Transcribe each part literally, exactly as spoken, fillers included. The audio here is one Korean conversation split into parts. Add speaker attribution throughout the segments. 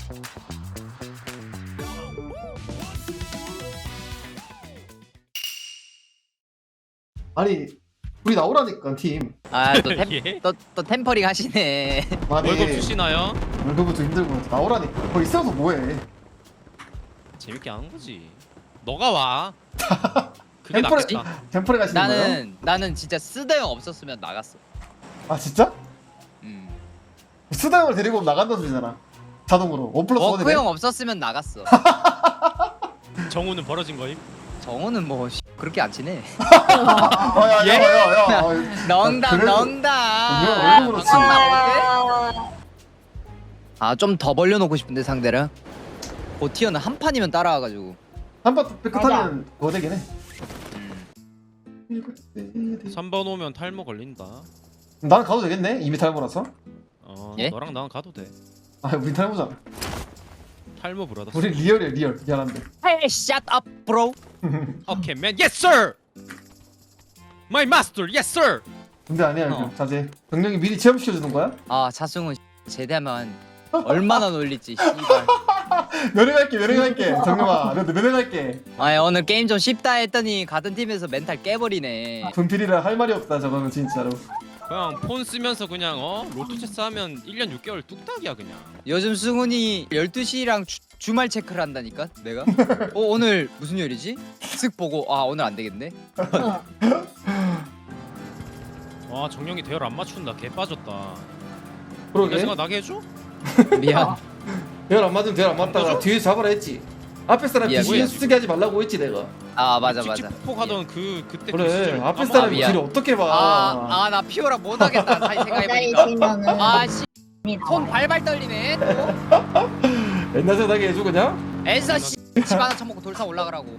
Speaker 1: 아니 우리 나오라니까 팀.
Speaker 2: 아또
Speaker 3: 예?
Speaker 2: 또, 또 템퍼링 하시네.
Speaker 1: 아니
Speaker 3: 월급 주시나요?
Speaker 1: 월급부터 힘들고 나오라니까. 거기 있어서 뭐해.
Speaker 3: 재밌게 하는 거지. 너가 와. 그게
Speaker 1: 템퍼레
Speaker 3: 낫겠다.
Speaker 1: 템퍼레 가시는 거예요?
Speaker 2: 나는 나는 진짜 쓰다형 없었으면 나갔어.
Speaker 1: 아 진짜?
Speaker 2: 음.
Speaker 1: 수다 형을 데리고 오면 나간다는 소리잖아. 자동으로 원 플러스 원이
Speaker 2: 워크 형 없었으면 나갔어.
Speaker 3: 정우는 벌어진 거임?
Speaker 2: 정우는 뭐 씨, 그렇게 안 친해.
Speaker 1: 예? 야야야야야.
Speaker 2: 농담
Speaker 1: 그래도-
Speaker 2: 농담.
Speaker 1: 왜 월급으로 치?
Speaker 2: 아좀 더 벌려놓고 싶은데 상대를. 고티어는 한 판이면 따라와가지고.
Speaker 1: 한번 삐끗하면 그거 되긴 해.
Speaker 2: 음.
Speaker 3: 삼 번 오면 탈모 걸린다.
Speaker 1: 나는 가도 되겠네. 이미 탈모라서.
Speaker 3: 어,
Speaker 2: 예?
Speaker 3: 너랑 나랑 가도 돼.
Speaker 1: 아 우리 탈모잖아.
Speaker 3: 탈모 브라더.
Speaker 1: 우리 리얼이야 리얼. 미안한데.
Speaker 2: Hey, shut up, bro.
Speaker 3: 오케이, man. Yes, sir. My master. Yes, sir.
Speaker 1: 근데 아니야
Speaker 2: 어.
Speaker 1: 이거 자제. 병력이 미리 체험시켜 주는 거야?
Speaker 2: 아 자승훈 제대하면 얼마나 놀릴지 씨발.
Speaker 1: 면회갈게 면회갈게. 정영아 너 면회갈게.
Speaker 2: 아 오늘 게임 좀 쉽다 했더니 같은 팀에서 멘탈 깨버리네.
Speaker 1: 분필이라 할 말이 없다 저거는 진짜로.
Speaker 3: 그냥 폰 쓰면서 그냥 어 로또 체스 하면 일 년 육 개월 뚝딱이야 그냥.
Speaker 2: 요즘 승훈이 열두 시랑 주, 주말 체크를 한다니까 내가. 어 오늘 무슨 요일이지? 쓱 보고 아 오늘 안 되겠네.
Speaker 3: 와 정령이 대열 안 맞춘다. 개 빠졌다. 내
Speaker 1: 그러게.
Speaker 3: 생각 나게 해줘?
Speaker 2: 미안.
Speaker 1: 대열 안 맞으면 대열 안 맞다가
Speaker 3: 맞아?
Speaker 1: 뒤에 잡아라 했지. 앞에 사람
Speaker 2: 미안,
Speaker 1: 뒤에
Speaker 2: 미안.
Speaker 1: 쓰게 하지 말라고 했지 내가.
Speaker 2: 아 맞아 맞아.
Speaker 3: 찍찍폭폭하던 그 그때 그
Speaker 1: 그래
Speaker 3: 시절
Speaker 1: 앞에
Speaker 3: 까먹어.
Speaker 1: 사람이
Speaker 2: 미안.
Speaker 1: 뒤를 어떻게 봐.
Speaker 2: 아아 나 피오라 못하겠다 다시
Speaker 4: 기다리
Speaker 2: 생각해보니까.
Speaker 4: 지면은
Speaker 2: 아씨 손 발발 떨리네 또.
Speaker 1: 옛날 생각에 해줘 그냥.
Speaker 2: 에서 씨 집 하나 처먹고 돌산 올라가라고.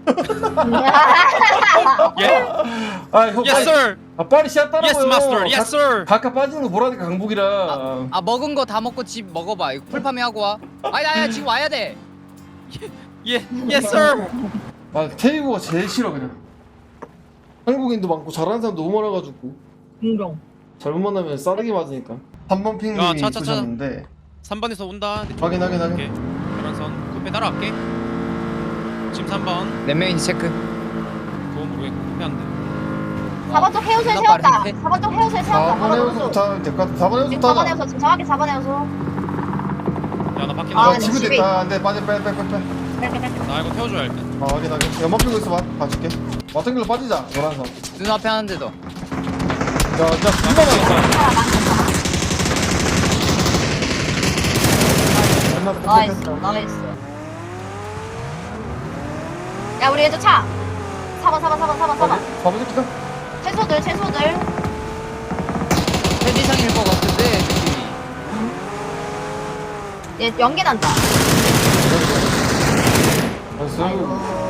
Speaker 3: 예?
Speaker 1: 아형
Speaker 3: Yes, sir.
Speaker 1: 아 빨리 씨앗 따라고요.
Speaker 3: Yes, master. Yes, sir.
Speaker 1: 각각 빠지는 거 보라니까 강복이라.
Speaker 2: 아 먹은 거 다 먹고 집 먹어봐. 이거 풀파밍 하고 와. 아니 아니 지금 와야 돼.
Speaker 3: 예, yes, sir.
Speaker 1: 아 태국어가 제일 싫어 그냥. 한국인도 많고 잘하는 사람 너무 많아가지고
Speaker 4: 인정.
Speaker 1: 잘못 만나면 싸대기 맞으니까. 삼 번
Speaker 3: 야,
Speaker 1: 핑님이
Speaker 3: 차, 차, 차.
Speaker 1: 쏘셨는데
Speaker 3: 삼 번에서 온다.
Speaker 1: 확인 확인 확인.
Speaker 3: 오케이. 계란선 쿠페 따라갈게. 지금 삼 번.
Speaker 2: 몇 명인지 체크.
Speaker 3: 그건 모르겠고 쿠페 안 돼.
Speaker 4: 사 번 쪽 헤어스에
Speaker 2: 나
Speaker 4: 세웠다.
Speaker 2: 빠른데?
Speaker 4: 사 번 쪽 헤어스에 세웠다.
Speaker 1: 사 번 해우서부터 하면 될것 같아. 사 번
Speaker 4: 지금
Speaker 1: 해우서부터
Speaker 4: 사 번
Speaker 1: 하자.
Speaker 4: 헤어서 지금 정확히 사 번 헤어서.
Speaker 3: 야, 나 밖에
Speaker 4: 아,
Speaker 3: 나가.
Speaker 1: 아
Speaker 4: 근데
Speaker 1: 지금
Speaker 4: 집에
Speaker 1: 됐다. 안돼 빠져 빼 빼 빼빼.
Speaker 3: 나 이거 태워줘야 할 때.
Speaker 1: 아 확인 확인. 연막 피고 있어봐. 봐줄게. 왔던 길로 빠지자. 노란선.
Speaker 2: 눈앞에 하는데도.
Speaker 1: 야, 자 금방 왔다.
Speaker 4: 나이스 나이스. 야 우리 왼쪽 차. 사 번 사 번 사 번 사 번 사 번.
Speaker 1: 가보자.
Speaker 4: 채소들 채소들.
Speaker 2: 편지상일 것 같은데 느낌이.
Speaker 4: 얘 연기 난다.
Speaker 1: 나이스.
Speaker 4: 아이고.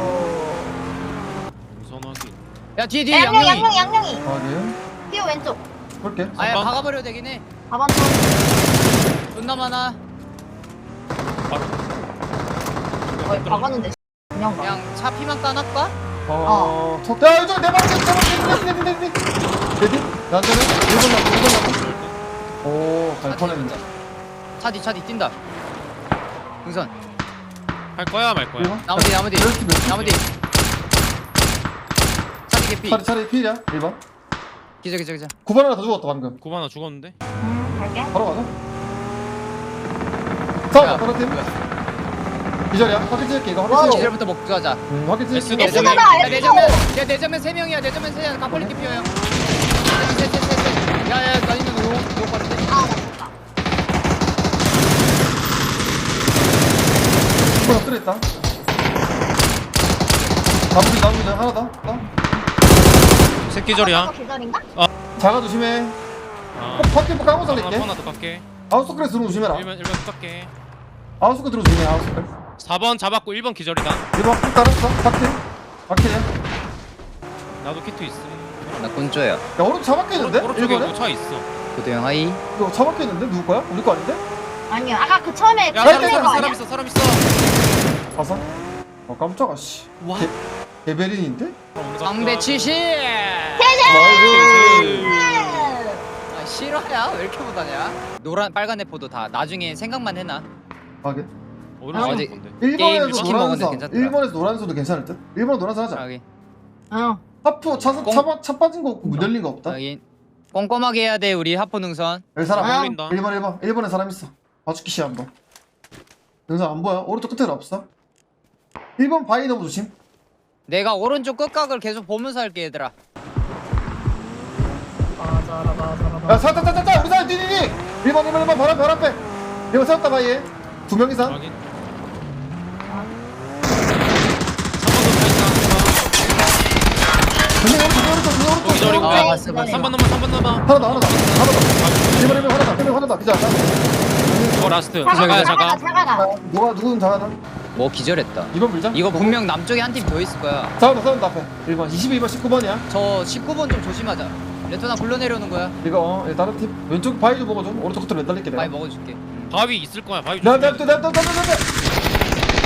Speaker 3: 우선하기.
Speaker 2: 야 뒤에 뒤에
Speaker 4: 야, 양양
Speaker 2: 양양이.
Speaker 4: 양양 양양이.
Speaker 1: 확인.
Speaker 4: 티오 왼쪽.
Speaker 1: 볼게.
Speaker 2: 아야
Speaker 3: 삼 번.
Speaker 2: 박아버려도 되긴 해.
Speaker 4: 사 번 쪽.
Speaker 2: 존나 많아.
Speaker 3: 바로.
Speaker 4: 어이 박았는데. 그냥 가.
Speaker 2: 그냥 차 피만 까놨까?
Speaker 1: 어. 어. 야 이쪽 내 방에 내 방에 내 방에 내 방에. 레디? 난자는 일번 남고 일번 남고. 오, 갈 뻔했는데.
Speaker 2: 차 뒤 차 뒤 뛴다. 등선.
Speaker 3: 할 거야 말 거야.
Speaker 1: 일번?
Speaker 2: 나무 뒤 나무 뒤.
Speaker 1: 몇 개, 몇 개?
Speaker 2: 나무 뒤. 차 뒤 개피.
Speaker 1: 차례 차례 필이야. 일 번.
Speaker 2: 기자 기자 기자.
Speaker 1: 구 번 하나 더 죽었다 방금.
Speaker 3: 구 하나 죽었는데.
Speaker 4: 음 갈게.
Speaker 1: 바로 가자. 자,
Speaker 2: 야,
Speaker 1: 바로 팀. 기절이야. 확인 찍을게 이거
Speaker 4: 와우.
Speaker 1: 확인 찍을게.
Speaker 2: 기절부터 먹고 가자.
Speaker 1: 음, 확인 찍을게.
Speaker 3: 에스도
Speaker 4: 에스도
Speaker 3: 보내.
Speaker 4: 봐.
Speaker 2: 야 내전면 야 내전면 세 명이야 내전면 세 명. 가폴리티 피어요. 셋셋셋셋. 야야 나 있는 너무 너무 빠른데.
Speaker 4: 아나 죽다.
Speaker 1: 뭐야 쓰레했다. 나무기 나무기 하나 더. 더.
Speaker 3: 새끼절이야.
Speaker 4: 계절인가?
Speaker 1: 자가 조심해.
Speaker 3: 아.
Speaker 1: 어, 밖에 뭐 까고
Speaker 3: 하나
Speaker 1: 살릴게.
Speaker 3: 하나 더 깎게.
Speaker 1: 아웃서클에 들어 조심해라.
Speaker 3: 일 번 일 번 깎게.
Speaker 1: 아웃서클 들어 조심해. 아웃서클.
Speaker 3: 사 번 잡았고 일 번 기절이다.
Speaker 1: 일번 쭉 따랐어. 바퀴. 바퀴야.
Speaker 3: 나도 키트 있음.
Speaker 2: 나 곤조야.
Speaker 1: 야 오른쪽 차 바뀌었는데?
Speaker 3: 오른쪽에
Speaker 1: 일번에?
Speaker 3: 뭐차 있어.
Speaker 2: 고대형 하이.
Speaker 1: 이거 차 바뀌었는데? 누구 거야? 우리 거 아닌데?
Speaker 4: 아니야. 아까 그 처음에
Speaker 3: 야
Speaker 4: 그
Speaker 3: 사람
Speaker 4: 거
Speaker 3: 있어
Speaker 4: 아니야?
Speaker 3: 사람 있어 사람 있어.
Speaker 1: 가서? 어 깜짝아 씨.
Speaker 3: 와.
Speaker 1: 개, 개베린인데?
Speaker 2: 상대 칠십.
Speaker 1: 나이스.
Speaker 2: 아 실화야? 왜 이렇게 못하냐? 노란 빨간 애포도 다 나중에 생각만 해놔.
Speaker 1: 하게.
Speaker 3: 오른
Speaker 2: 어디-
Speaker 3: 쪽 건데.
Speaker 2: 게임
Speaker 1: 일본에서
Speaker 2: 치킨
Speaker 1: 노란선
Speaker 2: 먹었는데 괜찮더라.
Speaker 1: 일본에서 노란선도 괜찮을 듯? 일본 노란선 하자.
Speaker 2: 여기
Speaker 4: 응.
Speaker 1: 하프 차, 차, 차, 차 빠진 거 없고 문 열린 거 없다.
Speaker 2: 여기 꼼꼼하게 해야 돼 우리 하포 능선.
Speaker 1: 여기 사람
Speaker 4: 아.
Speaker 3: 올린다.
Speaker 1: 일 번 일 번 일 번에 사람 있어. 봐줄게 시 한번. 영상 안 보여? 오른쪽 끝에는 없어. 일 번 바위 너무 조심.
Speaker 2: 내가 오른쪽 끝각을 계속 보면서 할게 얘들아.
Speaker 4: 맞아라 맞아라.
Speaker 1: 야 사다 사다 사다 우리 사람 뒤뒤뒤. 일 번 일 번 일 번 바람 바람 빼. 이거 세웠다 바위에. 두 명 이상.
Speaker 3: 확인.
Speaker 1: 전쟁 오른쪽 오른쪽 전쟁 오른쪽.
Speaker 3: 거기 저리고.
Speaker 2: 아, 봤어, 봤어.
Speaker 3: 삼 번 넘어 삼 번 넘어.
Speaker 1: 하나 더 하나 더 하나 더. 일 번 일 번 하나 더. 일 번 하나 더. 비자.
Speaker 3: 어 라스트.
Speaker 4: 차가가
Speaker 3: 자가야
Speaker 4: 차가가
Speaker 3: 자가.
Speaker 4: 차가가.
Speaker 1: 누가 누구든 잡아다.
Speaker 2: 뭐 기절했다.
Speaker 1: 이 번 밀자.
Speaker 2: 이거 분명 남쪽에 한 팀 더 있을 거야.
Speaker 1: 싸운다 싸운다 앞에. 일 번 이십이 번 십구 번이야.
Speaker 2: 저 십구 번 좀 조심하자. 레토나 굴러내려오는 거야.
Speaker 1: 이거 어 이거 다른 팀 왼쪽 바위 좀 먹어줘. 오른쪽 끝으로 매달릴게 내가.
Speaker 2: 많이 먹어줄게. 응.
Speaker 3: 바위 있을 거야. 바위
Speaker 1: 내가
Speaker 3: 조심해.
Speaker 1: 내가 내가 내가 내가 내가.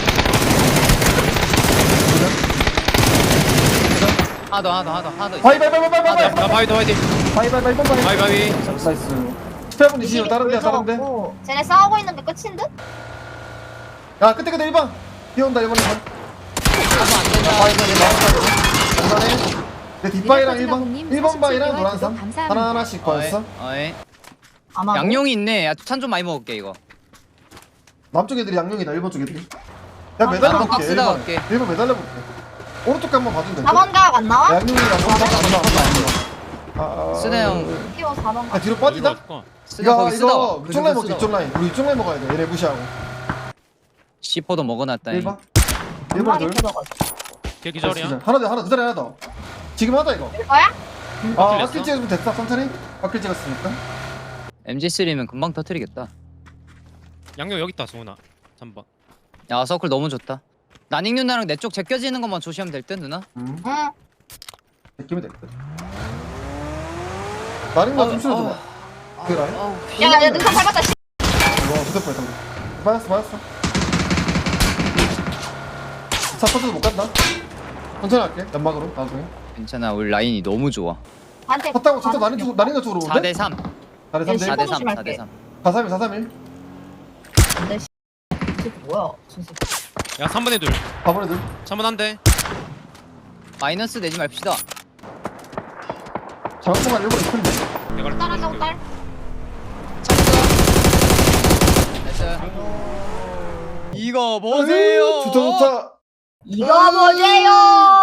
Speaker 2: 하나 더 하나 더 하나 더 하나 더 있어.
Speaker 1: 바위 바위 바위 바위 바위
Speaker 3: 나 바위 더 화이팅.
Speaker 1: 바위 바위 바위 바위
Speaker 3: 바위 바위.
Speaker 1: 나이스. 십팔 분 이십이 다른 데야 다른 데.
Speaker 4: 고 쟤네 싸우고 있는 게 끝인 듯?
Speaker 1: 야 끝에 끝에 일 번. 뛰어온다 일 번 일 번.
Speaker 2: 하면 안 된다.
Speaker 1: 바위 바위 바위. 간단해. 내 뒷바위랑 일 번 일 번 바위랑 노란 산 하나 하나씩 거였어.
Speaker 2: 어이.
Speaker 4: 아마
Speaker 2: 양용이 있네. 야, 찬 좀 많이 먹을게 이거.
Speaker 1: 남쪽 애들이 양용이다 일 번 쪽 애들이. 야
Speaker 4: 아,
Speaker 1: 매달려
Speaker 2: 나도
Speaker 1: 볼게 일
Speaker 2: 박스다
Speaker 1: 번.
Speaker 2: 갈게.
Speaker 1: 일 번 매달려 볼게. 오른쪽 한번 봐주면 돼.
Speaker 4: 사 번 각 안 나와?
Speaker 1: 양용이랑 오른쪽 안 나와. 아.
Speaker 2: 쓰네 형.
Speaker 4: 키워 사 번
Speaker 1: 야
Speaker 4: 각.
Speaker 1: 뒤로 빠지자.
Speaker 2: 쓰다
Speaker 1: 이거
Speaker 2: 거기 쓰다.
Speaker 1: 이거 이쪽 라인 먹자 이쪽 라인. 우리 이쪽 라인 먹어야 돼. 얘네 무시하고.
Speaker 2: 씨포도 먹어놨다.
Speaker 1: 일 번. 일 번
Speaker 4: 엄마게
Speaker 1: 둘.
Speaker 4: 뜯어가지고.
Speaker 3: 걔 기절이야.
Speaker 1: 하나 더 하나 그 자리 하나 더. 지금 하자 이거.
Speaker 4: 될 거야?
Speaker 1: 아
Speaker 3: 바퀴
Speaker 1: 바퀴 찍으면 됐다 천천히. 바퀴 찍었으니까.
Speaker 2: 엠지 쓰리면 금방 터트리겠다.
Speaker 3: 양념 여기 있다 승훈아. 삼 번.
Speaker 2: 야 서클 너무 좋다. 나닝 누나랑 내 쪽 제껴지는 것만 조심하면 될 듯 누나.
Speaker 1: 음.
Speaker 4: 응.
Speaker 1: 느낌이 됐거든. 나는 거
Speaker 2: 아우,
Speaker 1: 좀 실어줘봐. 그 라인.
Speaker 2: 아우,
Speaker 4: 야, 야, 능선 밟았다. 씨.
Speaker 1: 와, 부대 뻔했다. 맞았어, 맞았어. 차 터져도 못 간다. 천천히 할게. 연막으로 나중에.
Speaker 2: 괜찮아 우리 라인이 너무 좋아.
Speaker 4: 한테.
Speaker 1: 탔다고 차도 나린 쪽 나린 쪽 쪽으로
Speaker 2: 사
Speaker 1: 오는데?
Speaker 2: 대 삼.
Speaker 1: 나린 삼 대
Speaker 2: 사 대 삼.
Speaker 4: 조심할게.
Speaker 2: 사 대 삼.
Speaker 1: 사삼일 사삼일.
Speaker 4: 근데 씨. 이게 뭐야? 진짜.
Speaker 3: 야 삼 번에 둘.
Speaker 1: 바보네 들.
Speaker 3: 삼 번 한 대.
Speaker 2: 마이너스 내지 맙시다.
Speaker 1: 작업공간 일본 있던데.
Speaker 3: 내가
Speaker 4: 따라가고 딸.
Speaker 2: 됐어. 이거 보세요.
Speaker 1: 좋다 좋다.
Speaker 4: 이거 보세요.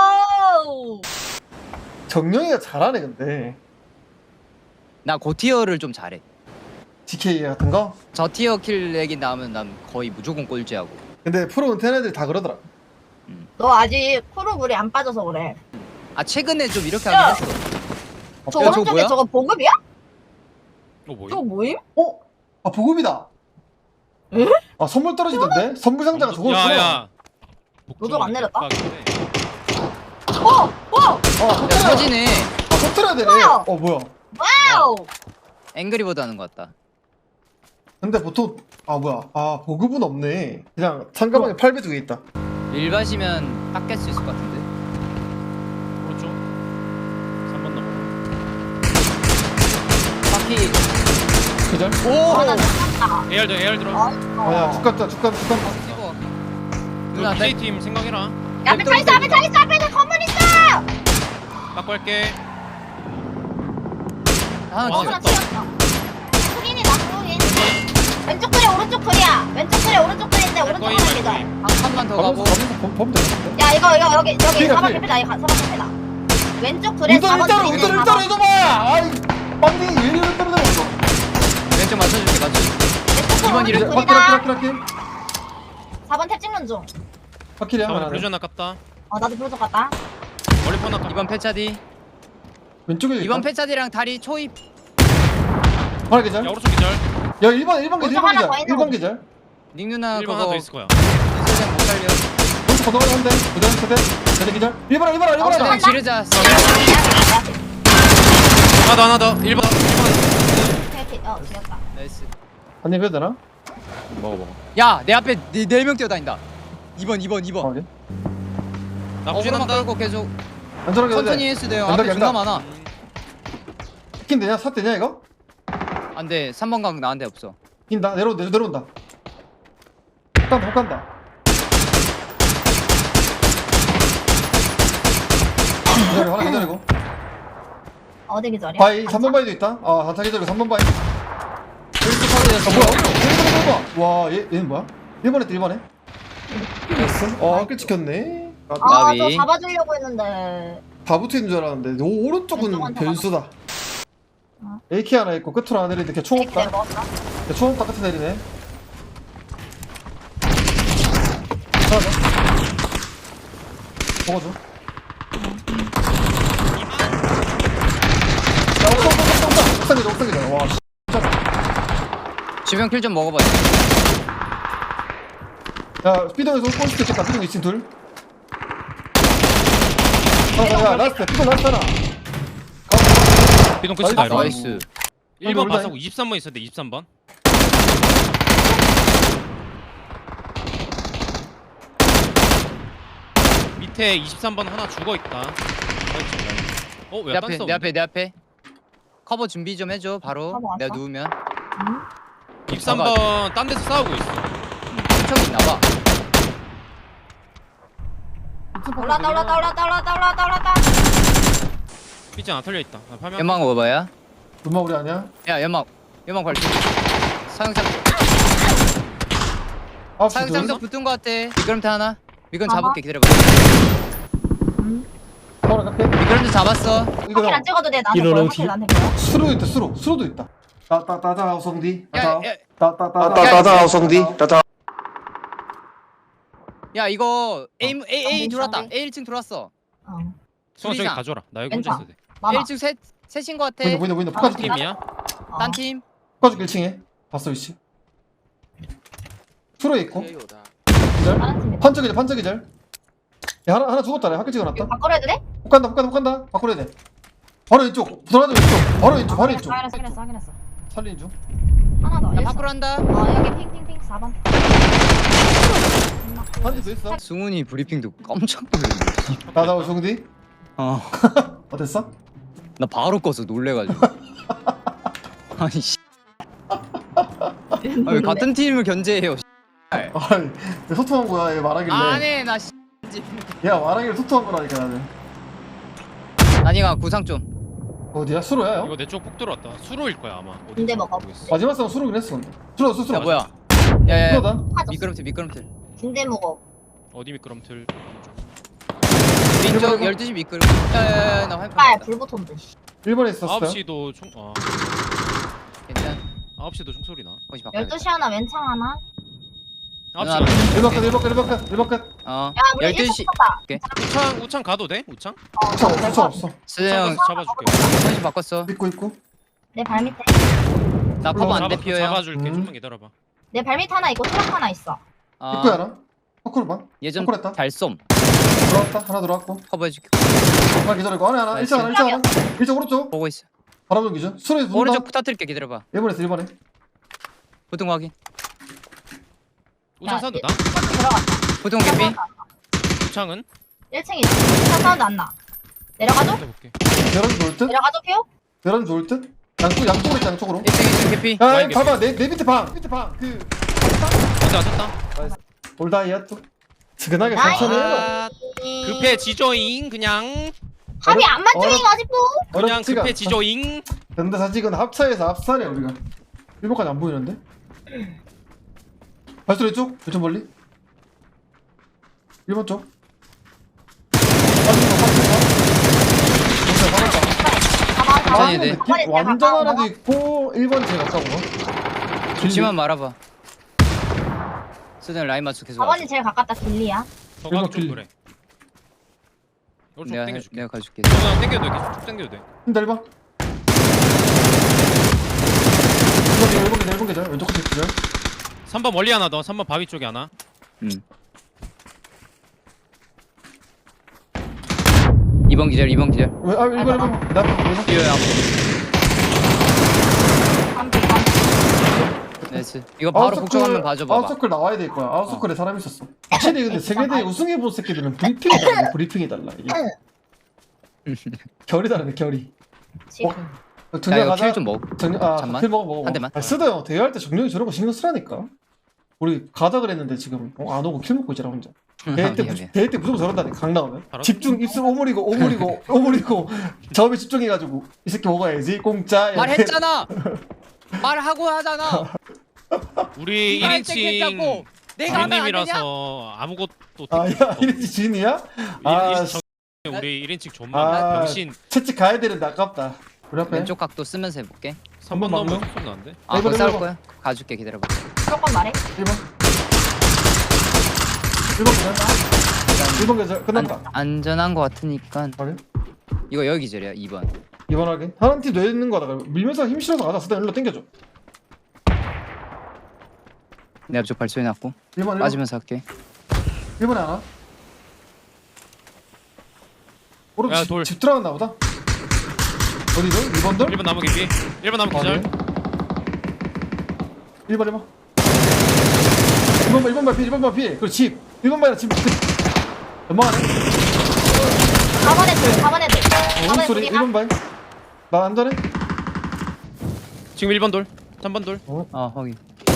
Speaker 1: 정영이가 잘하네 근데.
Speaker 2: 나 고티어를 좀 잘해.
Speaker 1: 디케이 같은 거.
Speaker 2: 저 티어 킬 얘기 나오면 난 거의 무조건 꼴찌하고.
Speaker 1: 근데 프로 은퇴한 애들이 다 그러더라.
Speaker 4: 너 아직 코로 물이 안 빠져서 그래.
Speaker 2: 아 최근에 좀 이렇게
Speaker 4: 야!
Speaker 2: 하긴 했어.
Speaker 4: 저
Speaker 2: 야, 저거
Speaker 4: 오른쪽에
Speaker 2: 뭐야?
Speaker 4: 저거 보급이야?
Speaker 3: 어 뭐야?
Speaker 4: 저거 뭐임?
Speaker 1: 어? 아 보급이다.
Speaker 4: 에?
Speaker 1: 아 선물 떨어지던데? 선물 상자가 저거였어.
Speaker 3: 야야.
Speaker 4: 노동 안 내렸다?
Speaker 3: 아,
Speaker 4: 어! 어!
Speaker 1: 아
Speaker 2: 야
Speaker 1: 터트려.
Speaker 2: 터지네.
Speaker 1: 아 터트려야 되네.
Speaker 4: 뭐야?
Speaker 1: 어 뭐야?
Speaker 4: 와우!
Speaker 2: 앵그리버드 하는 것 같다.
Speaker 1: 근데 보통 아 뭐야? 아 보급은 없네. 그냥 상가방에 팔 배 두 개 있다.
Speaker 2: 일밭이면 딱 깰 수 있을 것 같은데.
Speaker 3: 오른쪽. 삼 번 넘어.
Speaker 2: 바퀴.
Speaker 1: 그절?
Speaker 2: 오.
Speaker 4: 아, 나 죽었다.
Speaker 3: 에어들 에어 들어.
Speaker 1: 아야 축간다 축간 축간.
Speaker 2: 찍어. 누나
Speaker 3: 그
Speaker 2: 내
Speaker 3: 피제이 팀 생각해라.
Speaker 4: 야, 앞에 차 있어! 앞에 차 있어! 앞에 있는 건물 있어!
Speaker 3: 바꿔 할게.
Speaker 2: 하나
Speaker 3: 와,
Speaker 4: 어,
Speaker 2: 찍어.
Speaker 4: 하나 치웠어. 흑인이다, 흑인. 왼쪽 그래, 오른쪽 그리야. 왼쪽 그래, 오른쪽 그리인데 오른쪽
Speaker 3: 거의
Speaker 4: 하나 기절.
Speaker 3: 말고.
Speaker 2: 한 칸만 더 가고.
Speaker 1: 범범 되는데.
Speaker 4: 야, 이거, 이거, 여기, 여기
Speaker 1: 필이야,
Speaker 4: 사 번
Speaker 1: 필.
Speaker 4: 캠피다. 이거 사 번 캠피다. 왼쪽 그래,
Speaker 1: 일단
Speaker 4: 사 번
Speaker 1: 일단
Speaker 4: 캠피네,
Speaker 1: 일단
Speaker 4: 사 번.
Speaker 1: 일단 해줘봐. 아이 빵댕이 왜 이리 떨어져?
Speaker 2: 왼쪽 맞춰줄게 맞춰줄게.
Speaker 4: 왼쪽
Speaker 2: 이번
Speaker 4: 그래,
Speaker 2: 일은
Speaker 4: 오른쪽
Speaker 1: 바퀴 바퀴
Speaker 4: 그리다.
Speaker 1: 바퀴 바퀴.
Speaker 4: 사 번 탭 찍는 중.
Speaker 1: 바퀴야
Speaker 3: 삼 번
Speaker 1: 하나.
Speaker 3: 블루전 아깝다.
Speaker 4: 어, 나도 부르적 갔다.
Speaker 3: 머리 펀 아깝다.
Speaker 2: 이번 패차디.
Speaker 1: 왼쪽에
Speaker 2: 이번 패차디랑 다리 초입.
Speaker 1: 하나 계절.
Speaker 3: 야 오른쪽 기절.
Speaker 1: 야 일 번 일 번 계절
Speaker 4: 오른쪽 하나
Speaker 1: 일 번
Speaker 4: 더
Speaker 1: 계절.
Speaker 4: 있는
Speaker 1: 일 번
Speaker 4: 거.
Speaker 1: 계절.
Speaker 2: 닉 누나
Speaker 3: 일 번 하나
Speaker 2: 그거
Speaker 3: 더 있을 거야.
Speaker 2: 인쇄장 못 살려.
Speaker 1: 오른쪽 건너가는 한대. 그대 그대. 그대 계절. 일 번 일 번 일 번
Speaker 4: 어,
Speaker 1: 하자.
Speaker 2: 그냥 지르자.
Speaker 3: 하나 더 하나 더. 일 번.
Speaker 4: 오케이, 어, 지렸다.
Speaker 2: 나이스.
Speaker 1: 한입 해도 되나?
Speaker 3: 먹어 먹어.
Speaker 2: 야, 내 앞에 네 명 뛰어다닌다. 이번 이번 이번.
Speaker 1: 어, 예.
Speaker 3: 나
Speaker 2: 어그로만
Speaker 3: 후진한다.
Speaker 2: 끌고 계속
Speaker 1: 안전하게 해도
Speaker 2: 천천히
Speaker 1: 돼.
Speaker 2: 했을 때요.
Speaker 1: 양각,
Speaker 2: 앞에 존나
Speaker 1: 양각.
Speaker 2: 많아.
Speaker 1: 킨 되냐? 사 되냐 이거?
Speaker 2: 안돼. 삼 번 각 나한테 없어.
Speaker 1: 킨다. 내려 내려 내려온다. 간다 못 간다. 기다려 하나 기다리고.
Speaker 4: 어디 기절이야?
Speaker 1: 바이 삼 번 바이도 있다. 아 한타 기다리고 삼 번 바이. 어, 뭐야? 뭐야? 와, 얘, 얘는 뭐야? 일 번 했다, 일 번 해. 됐어? 어, 꽤 찍혔네.
Speaker 4: 아,
Speaker 2: 나비.
Speaker 4: 저 잡아주려고 했는데.
Speaker 1: 다 붙어있는 줄 알았는데, 오, 오른쪽은
Speaker 4: 왼쪽한테
Speaker 1: 변수다.
Speaker 4: 어.
Speaker 1: 에이케이 하나 있고, 끝으로 하나 내리는데, 걔 총
Speaker 4: 네,
Speaker 1: 없다.
Speaker 4: 먹었어.
Speaker 1: 걔 총 없다, 끝에 내리네. 하나 더. 먹어줘. 야, 옥상, 옥상, 옥상, 옥상이다, 옥상이다. 와, 씨.
Speaker 2: 주변 킬 좀 먹어봐.
Speaker 1: 야, 삐동에서 올 수도 있겠다, 삐동 이 층 둘. 아, 야, 라스트, 삐동 라스트 하나.
Speaker 3: 비동 끝이다 이거.
Speaker 2: 나이스.
Speaker 3: 일 번
Speaker 1: 올라해.
Speaker 3: 마사고 이십삼 번 있었는데 이십삼 번. 밑에 이십삼 번 하나 죽어 있다. 어,
Speaker 2: 내
Speaker 3: 왜
Speaker 2: 앞에
Speaker 3: 딴
Speaker 2: 내 앞에 내 앞에. 커버 준비 좀 해줘 바로.
Speaker 4: 커버 왔어?
Speaker 2: 내가 누우면.
Speaker 4: 응?
Speaker 3: 이십삼 번 딴 데서 싸우고 있어.
Speaker 2: 훔쳐이 있나봐.
Speaker 4: 올라다 올라다 올라다 올라다 올라다 올라다.
Speaker 3: 삐진 안 털려 있다. 나 파면.
Speaker 2: 연막 먹어봐야.
Speaker 1: 눈마 우리 아니야?
Speaker 2: 야 연막. 연막 발표. 사용장
Speaker 1: 아홉 시
Speaker 2: 사용장도
Speaker 1: 둘.
Speaker 2: 붙은 거 같아. 미끄럼틀 하나. 미끄럼
Speaker 4: 봐봐.
Speaker 2: 잡을게 기다려봐.
Speaker 1: 하나 갈게.
Speaker 2: 미끄럼틀 잡았어.
Speaker 1: 이거
Speaker 4: 확인 안 찍어도 돼. 나한테 보여. 확인 나한테 보여.
Speaker 1: 수로 있다, 수로. 수로도 있다. 따따따따 오성디.
Speaker 2: 야, 야,
Speaker 1: 따따따따.
Speaker 5: 따따따 오성디 따따
Speaker 2: 야 이거 A A A
Speaker 4: 어,
Speaker 2: 들어왔다.
Speaker 4: 어.
Speaker 2: A 일 층 들어왔어.
Speaker 4: 어.
Speaker 3: 수아 저기
Speaker 2: 둘이상.
Speaker 3: 가져라. 나 여기 혼자
Speaker 4: 괜찮아.
Speaker 3: 있어도 돼.
Speaker 4: 많아.
Speaker 2: A 일 층 셋 셋인 거 같아.
Speaker 1: 보인다, 보인다, 보인다.
Speaker 4: 아,
Speaker 1: poka줄게.
Speaker 3: 팀이야?
Speaker 4: 어.
Speaker 2: 딴 팀.
Speaker 1: poka줄게, 일 층에. 봤어, 위치. 수로에 있고. 기절.
Speaker 4: 다른 팀이다.
Speaker 1: 판적이절, 판적이절. 야, 하나, 하나 죽었다, 내가 학교 찍어놨다.
Speaker 4: 이거 바꿔야 해도 돼?
Speaker 1: 못 간다, 못 간다, 못 간다. 바꾸려야 돼. 바로 왼쪽. 들어가자, 왼쪽. 바로 왼쪽, 바로 왼쪽.
Speaker 4: 확인했어 확인했어 확인했어.
Speaker 1: 살린 중.
Speaker 4: 하나 더.
Speaker 2: 야
Speaker 4: 일선.
Speaker 2: 밖으로 한다.
Speaker 4: 어 여기 핑핑핑 사 번.
Speaker 1: 한대 더 있어.
Speaker 2: 승훈이 브리핑도 깜짝 놀랐네.
Speaker 1: 나다, 오성디.
Speaker 2: 어.
Speaker 1: 어땠어?
Speaker 2: 나 바로 꺼서 놀래가지고. 아니 씨. 아, 왜 같은 팀을 견제해요? 씨.
Speaker 1: 아이, 왜 소통한 거야, 얘 말하길래.
Speaker 2: 안해 나 씨.
Speaker 1: 야, 말하길래 소통한 거라니까, 나는.
Speaker 2: 아니가 구상 좀.
Speaker 1: 어디야? 수로야,
Speaker 3: 이거
Speaker 1: 형?
Speaker 3: 내 쪽 폭 들어왔다. 수로일 거야 아마. 어디
Speaker 4: 군대 먹어.
Speaker 3: 모르겠어.
Speaker 1: 마지막 싸움 수로긴 했어, 근데. 수로, 수로,
Speaker 2: 야
Speaker 1: 수로.
Speaker 2: 뭐야? 야야.
Speaker 1: 수로다.
Speaker 4: 하자.
Speaker 2: 미끄럼틀 미끄럼틀.
Speaker 4: 군대 먹어.
Speaker 3: 어디 미끄럼틀.
Speaker 2: 왼쪽 열두 시 미끄럼. 야야야 나 화면
Speaker 4: 빨
Speaker 2: 봤다.
Speaker 4: 불 붙었는데.
Speaker 1: 일 번에 있었어.
Speaker 3: 아홉 시도 총. 아
Speaker 2: 괜찮.
Speaker 3: 아홉 시도 총소리 나.
Speaker 2: 거기 바꿔.
Speaker 4: 열두 시 하나 왼창 하나.
Speaker 3: 아홉
Speaker 2: 누나,
Speaker 3: 시.
Speaker 1: 일 번 끝, 일 번 끝, 일 번 끝, 일 번 끝.
Speaker 2: 어.
Speaker 4: 야 우리
Speaker 2: 열두
Speaker 4: 일선
Speaker 2: 시.
Speaker 4: 붙었다.
Speaker 3: 우창 우창 가도 돼? 우창?
Speaker 4: 어,
Speaker 1: 수창 없어,
Speaker 4: 내
Speaker 1: 수창
Speaker 4: 발-
Speaker 1: 없어.
Speaker 2: 수영
Speaker 3: 잡아줄게.
Speaker 2: 선시 바꿨어.
Speaker 1: 있고, 있고.
Speaker 4: 내 발밑에.
Speaker 2: 나 커버 안
Speaker 3: 잡아,
Speaker 2: 돼 피어요.
Speaker 3: 잡아줄게.
Speaker 1: 음.
Speaker 3: 좀만 기다려봐.
Speaker 4: 내 발밑 하나 있고 트럭 하나 있어.
Speaker 2: 어.
Speaker 1: 입구야, 나. 포크로 봐.
Speaker 2: 예전
Speaker 1: 포크했다.
Speaker 2: 달솜
Speaker 1: 들어왔다. 하나 들어왔고.
Speaker 2: 커버해줄게.
Speaker 1: 하나 기다리고. 하나, 하나. 일차 하나, 일차 하나. 일차 오른쪽.
Speaker 2: 보고 있어.
Speaker 1: 바람 전기죠. 수로에 붙는다.
Speaker 2: 오른쪽 부탁드릴게 기다려봐.
Speaker 1: 일 번에서 일 번에.
Speaker 2: 보통 확인.
Speaker 3: 우창
Speaker 4: 야,
Speaker 3: 사운드 나?
Speaker 4: 트럭 들어갔다.
Speaker 2: 보통 개피.
Speaker 3: 우창은?
Speaker 4: 일 층 있어. 차 사운드 안 나. 내려가줘?
Speaker 3: 볼게.
Speaker 1: 계란 좋을 듯?
Speaker 4: 내려가줘 피오?
Speaker 1: 계란 좋을 듯? 양쪽, 양쪽으로 있다, 양쪽으로.
Speaker 2: 일 층 일 층 개피.
Speaker 1: 야,
Speaker 3: 와인
Speaker 1: 야,
Speaker 3: 개피.
Speaker 1: 봐봐. 내, 내 밑에 방. 밑에 방. 그,
Speaker 3: 진짜 쳤다.
Speaker 1: 올다이야 또. 지근하게
Speaker 4: 나이스.
Speaker 1: 천천히 해라.
Speaker 3: 아, 급해지조잉 그냥
Speaker 4: 합이 안 맞죠
Speaker 1: 어렵-
Speaker 4: 이거 아직도?
Speaker 3: 그냥
Speaker 1: 어렵지가 않다.
Speaker 3: 급해지조잉.
Speaker 1: 근데 사실 이건 합차에서 합살이야, 우리가. 일 번까지 안 보이는데? 발소리 쪽? 좀 멀리? 일 번 쪽. 빠진 거, 빠진 거. 진짜 빠졌다.
Speaker 4: 가봐 가봐.
Speaker 2: 천천히 돼.
Speaker 1: 느낌? 완전 하나도 있고 일 번이 제일 가까운 거.
Speaker 2: 좋지만 말아봐. 수든 라인 맞춰 계속.
Speaker 4: 가번이 제일 가깝다 길리야.
Speaker 3: 저거
Speaker 1: 일번
Speaker 3: 좀
Speaker 1: 길리.
Speaker 3: 그래. 오른쪽
Speaker 2: 내가 해-
Speaker 3: 당겨줄게.
Speaker 2: 내가 가줄게.
Speaker 3: 저거 당겨도 돼. 계속 쭉 당겨도 돼.
Speaker 1: 힘들 봐. 일 번 계절, 일 번 계절. 왼쪽 끝에 계절.
Speaker 3: 삼 번 멀리 하나 더. 삼 번 바위 쪽에 하나.
Speaker 2: 음. 이 번 기절 이 번 기절.
Speaker 1: 왜? 아, 일 번, 일 번. 나, 일 번.
Speaker 2: 피어야.
Speaker 4: 깜빡 깜빡.
Speaker 2: 나이스. 이거 바로 복종하면 봐줘 봐봐.
Speaker 1: 아웃서클 나와야 될 거야. 아웃서클에 사람 있었어. 확실히 근데 세계대회 우승해본 새끼들은 브리핑이 달라. 브리핑이 달라. 이게. 결이 다르네, 결이.
Speaker 4: 지금.
Speaker 1: 어, 정리
Speaker 2: 야 이거
Speaker 1: 가자.
Speaker 2: 킬 좀 먹.
Speaker 1: 정리, 아,
Speaker 2: 잠만.
Speaker 1: 킬 먹어, 먹어.
Speaker 2: 한 대만.
Speaker 1: 아, 쓰다 형. 대회할 때 정령이 저런 거 신경 쓰라니까. 우리 가자 그랬는데 지금 어, 안 오고 킬 먹고 있잖아 혼자.
Speaker 2: 아,
Speaker 1: 대회 때
Speaker 2: 미안,
Speaker 1: 무-
Speaker 2: 미안.
Speaker 1: 대회 때 무조건 저런다니 강 나오면
Speaker 3: 바로?
Speaker 1: 집중 입술 오므리고 오므리고 오므리고 점에 집중해가지고 이 새끼 먹어야지 공짜.
Speaker 2: 말했잖아. 말하고 하잖아.
Speaker 3: 우리
Speaker 2: 네가
Speaker 3: 일 인칭
Speaker 2: 했다고. 내가 하면 안 되냐?
Speaker 3: 주인님이라서 아무것도
Speaker 1: 아야 이랬지 지인이야? 아
Speaker 3: 아,
Speaker 1: 씨.
Speaker 3: 우리 일 인칭 존만
Speaker 1: 아,
Speaker 3: 병신
Speaker 1: 채찍 가야 되는데 아깝다. 우리 앞에
Speaker 2: 왼쪽 각도 쓰면서 해볼게.
Speaker 3: 삼 번
Speaker 1: 한번
Speaker 3: 넘으면
Speaker 1: 막는?
Speaker 3: 소리 나는데?
Speaker 2: 아,
Speaker 1: 이번,
Speaker 2: 그거 싸울
Speaker 1: 이번.
Speaker 2: 거야? 가줄게, 기다려봐.
Speaker 4: 조금 말해.
Speaker 1: 일 번 일 번 계절 일 번 계절 끝났다.
Speaker 2: 안, 안전한 거 같으니까
Speaker 1: 확인.
Speaker 2: 이거 여기 기절이야. 이 번.
Speaker 1: 이 번 확인. 하는 팀 내는 거다. 밀면서 힘 실어서 가자. 스단 일로 당겨줘.
Speaker 2: 내 앞쪽 발소리 났고
Speaker 1: 일 번 일 번
Speaker 2: 빠지면서 할게.
Speaker 1: 일 번에 하나. 오른
Speaker 3: 야,
Speaker 1: 집,
Speaker 3: 돌.
Speaker 1: 집 들어갔나 보다. 어디죠? 일 번 돌?
Speaker 3: 일 번 나무 개피 일 번 나무 기절
Speaker 1: 일 번 일 번 일 번 일 번 발 피, 일 번 발 피. 그리고 집. 일 번 발이랑 집. 연막하네.
Speaker 4: 사 번 애들, 사 번 애들. 사 번
Speaker 1: 오른 소리 일
Speaker 4: 애들이야.
Speaker 1: 번 발. 나 안 되네.
Speaker 3: 지금 일 번 돌 삼 번 돌
Speaker 2: 어, 거기.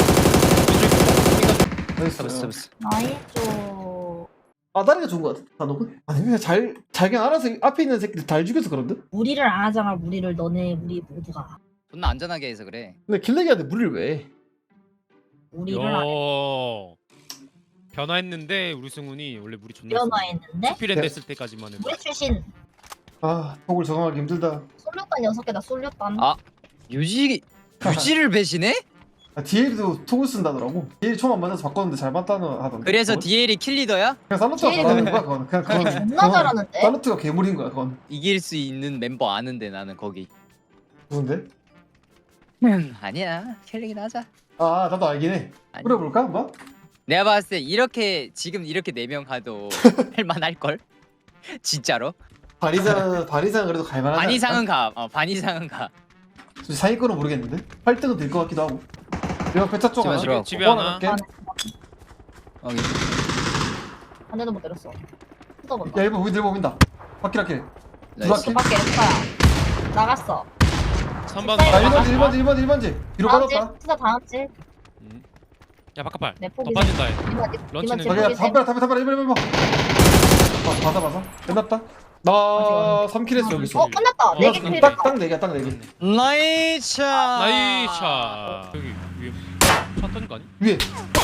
Speaker 1: 나이스.
Speaker 2: 잡았어, 잡았어.
Speaker 4: 나이스.
Speaker 1: 아 다리가 좋은 거 같아. 단옥은? 아니 그냥 잘 자기 알아서 앞에 있는 새끼들 잘 죽여서 그런데?
Speaker 4: 무리를 안 하잖아. 무리를 너네 우리 모두가
Speaker 2: 존나 안전하게 해서 그래.
Speaker 1: 근데 길래기한테 무리를 왜 해?
Speaker 4: 무리를 안 해.
Speaker 3: 요 변화했는데 우리 승훈이 원래 물이 존나
Speaker 4: 변화했는데
Speaker 3: 스피랜드
Speaker 1: 네.
Speaker 3: 했을 때까지만 해도
Speaker 4: 우리 출신
Speaker 1: 아 폭을 적응하기 힘들다.
Speaker 4: 쏠렸단 여섯 개다 쏠렸단.
Speaker 2: 아. 유지 유지를 배신해?
Speaker 1: 아, 디엘도 톡을 쓴다더라고. 디엘 총 안 맞아서 바꿨는데 잘 맞다는 하던데.
Speaker 2: 그래서
Speaker 1: 그건?
Speaker 2: 디엘이 킬리더야?
Speaker 1: 그냥 살로트가
Speaker 4: 디엘이
Speaker 1: 잘하는 거야 그건. 그냥 그건
Speaker 4: 존나
Speaker 1: 그건
Speaker 4: 잘하는데?
Speaker 1: 살로트가 괴물인 거야 그건.
Speaker 2: 이길 수 있는 멤버 아는데 나는 거기.
Speaker 1: 누군데?
Speaker 2: 음, 아니야. 킬리긴 하자.
Speaker 1: 아 나도 알긴 해.
Speaker 2: 아니.
Speaker 1: 뿌려볼까 한번?
Speaker 2: 내가 봤을 때 이렇게 지금 이렇게 네 명 가도 할만할 걸? 진짜로?
Speaker 1: 반 이상 반 이상 그래도 갈만하지
Speaker 2: 반
Speaker 1: 않을까?
Speaker 2: 이상은 가. 어, 반 이상은 가.
Speaker 1: 상위권은 모르겠는데 팔 등은 될 것 같기도 하고. 내가 배차 쪽
Speaker 2: 집에
Speaker 1: 하나.
Speaker 2: 들어갔고.
Speaker 3: 집에
Speaker 1: 어,
Speaker 3: 하나
Speaker 1: 갈게.
Speaker 2: 여기.
Speaker 4: 한 대도 못 때렸어. 뜯어본다.
Speaker 1: 야 일본 보인다 일본 보인다. 바퀴라킬.
Speaker 2: 나이스.
Speaker 1: 두
Speaker 4: 밖에 렉파야. 나갔어.
Speaker 3: 삼 번
Speaker 4: 아,
Speaker 1: 아
Speaker 4: 일 번,
Speaker 1: 일 번지 일 번지 일 번지. 뒤로
Speaker 4: 다음 집.
Speaker 1: 빠졌다.
Speaker 4: 투자 다음 집.
Speaker 3: 음. 야 바깥발
Speaker 4: 내
Speaker 3: 더
Speaker 4: 포기.
Speaker 3: 빠진다 해
Speaker 4: 이번 집.
Speaker 3: 런치는
Speaker 4: 이번 집
Speaker 1: 자기야
Speaker 4: 포기 세.
Speaker 1: 담벼라 담벼라 담벼라 일 번 일 번. 아 받아 받아. 끝났다. 나 삼 킬 했어 여기서.
Speaker 4: 어 끝났다.
Speaker 3: 어,
Speaker 4: 네개
Speaker 3: 끝났다.
Speaker 4: 킬.
Speaker 1: 딱딱 네 개, 딱 네 개.
Speaker 2: 나이차.
Speaker 3: 나이차 여기 위에 차 터진 거 아니?
Speaker 1: 위에.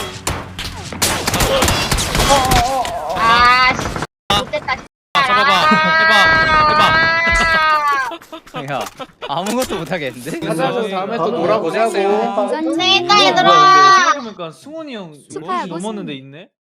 Speaker 4: 아 씨. 못됐다.
Speaker 3: 아 잡아봐 해봐
Speaker 2: 야 아무것도 못 하겠는데?
Speaker 5: 가자고 다음에 또
Speaker 1: 아,
Speaker 5: 놀아보자고.
Speaker 4: 고생했다
Speaker 1: 뭐야,
Speaker 4: 얘들아.
Speaker 5: 생각해보니까 승훈이 형
Speaker 6: 축하해,
Speaker 5: 멀리 넘었는데 있네?